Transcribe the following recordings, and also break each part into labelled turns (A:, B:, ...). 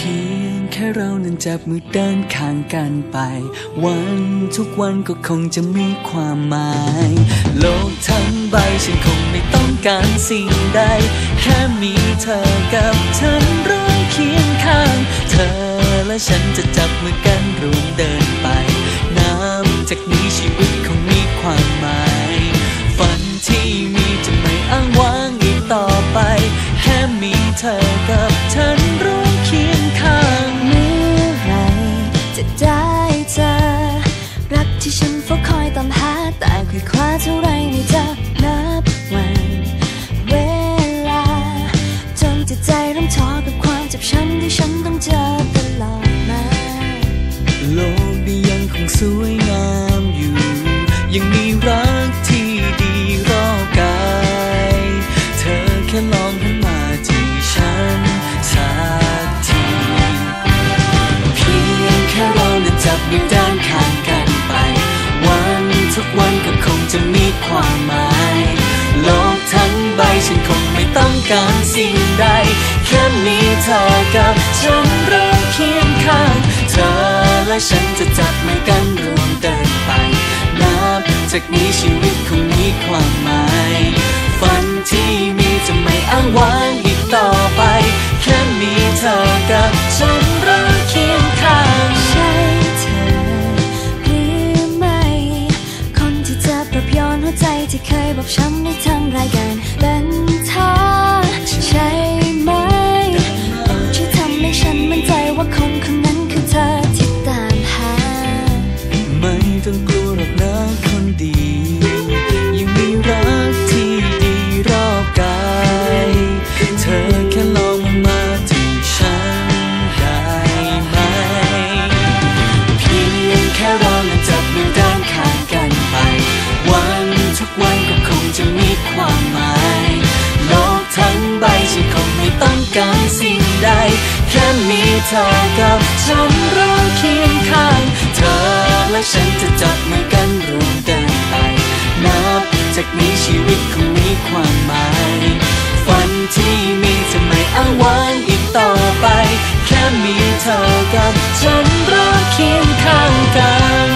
A: พียงแค่เรานั้นจับมือเดินข้างกันไปวันทุกวันก็คงจะมีความหมายโลกทั้งใบฉันคงไม่ต้องการสิ่งใดแค่มีเธอกับฉันร่วมเคียงข้างเธอและฉันจะจับมือกันร่วมเดินไปนับจากนี้ชีวิตคงมีความหมายฝันที่มีจะไม่อ้างว้างอีกต่อไปแค่มีเธอกับฉันร่วมเคียงข้าง
B: เมื่อไรจะได้เจอรักที่ฉันเฝ้าคอยตามหาแต่ค่อยคว้าเท่าไรไม่เจอนับวันเวลาจนจิตใจเริ่มท้อกับความเจ็บช้ำที่ฉันต้องเจอตลอดมา
A: โลกนี้ยังคงสวยงามอยู่ยังมีรักที่ดีรอบกายเธอแค่ลองหันมาที่ฉันสักทีเพียงแค่เรานั้นจับมือเดินข้างกันไปวันทุกวันก็คงจะมีความหมายโลกทั้งใบฉันคงไม่ต้องการสิ่งใดแค่มีเธอกับฉันร่วมเคียงข้างเธอและฉันจะจับมือกันร่วมเดินไปนับจากนี้ชีวิตคงมีความหมายฝันที่มีจะไม่อ้างว้างอีกต่อไปแค่มีเธอกับฉันร่วมเคียงข้าง
B: ใช่เธอหรือไม่คนที่จะปรับย้อนหัวใจที่เคยบอกช้ำในทางรายการเป็นเธอใช่ไหมช่วยทำให้ฉันมั่นใจว่าคนคนนั้นคือเธอที่ตามหา
A: ไม่ต้องกลัวหรอกนะคนดียังมีรักที่ดีรอบกายเธอแค่ลองมาที่ฉันได้ไหมเพียงแค่เรานั้นจับมือเดินข้างกันไปวันทุกวันก็คงจะมีความหมายโลกทั้งใบฉันคงไม่ต้องการสิ่งใดแค่มีเธอกับฉันร่วมเคียงข้างเธอและฉันจะจับมือกันร่วมเดินไปนับจากนี้ชีวิตคงมีความหมายฝันที่มีจะไม่อ้างว้างอีกต่อไปแค่มีเธอกับฉันร่วมเคียงข้างกัน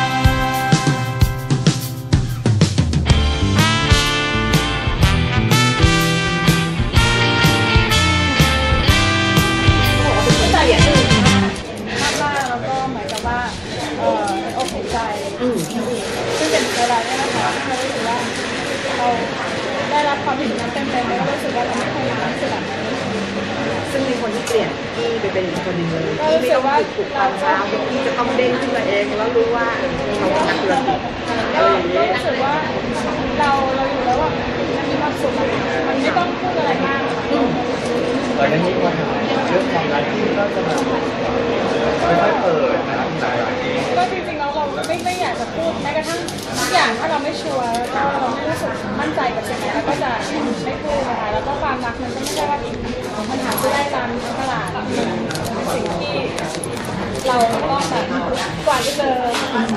C: ซึ่งเป็นเวลาเนี่ยนะคะเรารู้สึกว่าเราได้รับความผิดนั้นเต็มๆแล้วก็รู้สึกว่าเราไม่เคยรู้สึกแบบนี้
D: ซึ่งมีคนที่เปลี่ยนที่ไปเป็นอีกคนหนึ่งเลยที่ไม่ต้องถูกตามเช้าที่จะต้องเด้งขึ้นมาเองแล้วรู้ว่าเขาเป็นนักธุรกิจ
C: ก็รู้สึกว่าเราอยู่แล้วว่ามันมีความสุขมันไม่ต้องพูดอะไรมาก
E: ตอนนี้ปัญหาเรื่องความรักที่ก็จะมาค่อยๆเปิดนะครับ
C: ก็จริงๆเราไม่อยากจะพูดแม้กระทั่งทุกอย่างถ้าเราไม่ชัวร์ถ้าเราไม่รู้สึกมั่นใจกับสิ่งไหนเราก็จะไม่พูดนะคะแล้วก็ความรักมันก็ไม่ใช่ว่ามันหาซื้อได้ตามตลาดเป็นสิ่งที่เราต้องแบบกว่าจะเจอ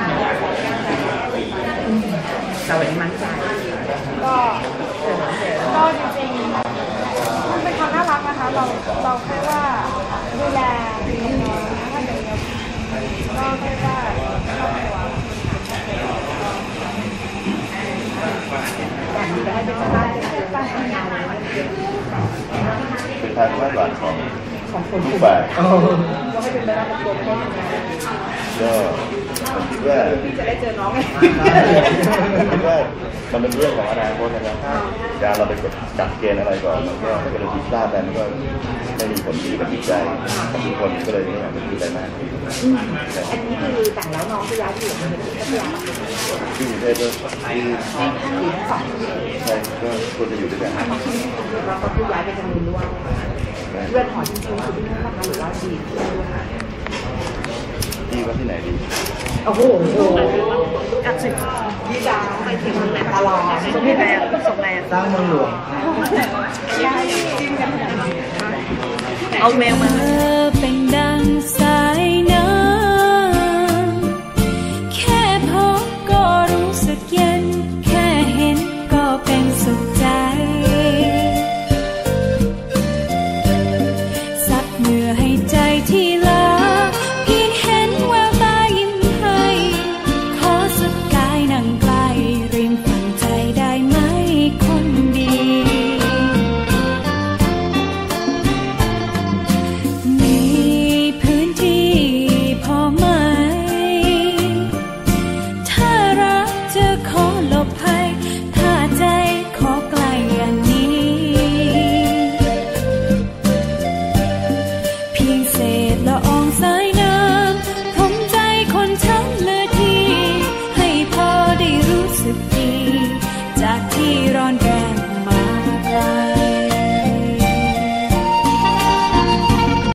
D: แต่วันนี้มั่นใจ
C: ก็จริงๆมันเป็นความน่ารักนะคะเราแค่ว่าดูแลน้องๆถ้าอย่างเดียวก็แค่ว่าครอบครัว
E: เป็นทางวาดหวานของ
D: คน
E: ทุกฝ่าย
D: ก็ให้เป็นไปตามตัวพ่อ
E: ก็ผมคิดว่า
D: จะได้เจอน้องไง
E: คิดว่ามันเป็นเรื่องของอนาคตนะครับการเราไปกดจับเกณฑ์อะไรก่อนมันก็ถ้าเกิดเราผิดพลาดไปมันก็ไม่มีผลดีกับจิตใจของทุกคนก็เลยไม่อยากจะพูดอะไรมาก
D: อันนี้คือแต่งแล้วน้องจะย้ายไปอยู่ในพัทยา
E: ที่กรุงเทพก็ใช่ก็ควรจะอยู่ด้วยกัน
D: เราก็คือย้ายไปทางนู้นด้วยเพื่อนหอจริงๆคือที่นั่นนะคะหรือว่าดี
E: ที่ว่าที่ไหนดี
D: โอ้โหกับสิพี่ดาวไปถึงเมืองไหนตลอดส่งแรง
E: สร้างเมืองหลวง
D: เอาแมวมา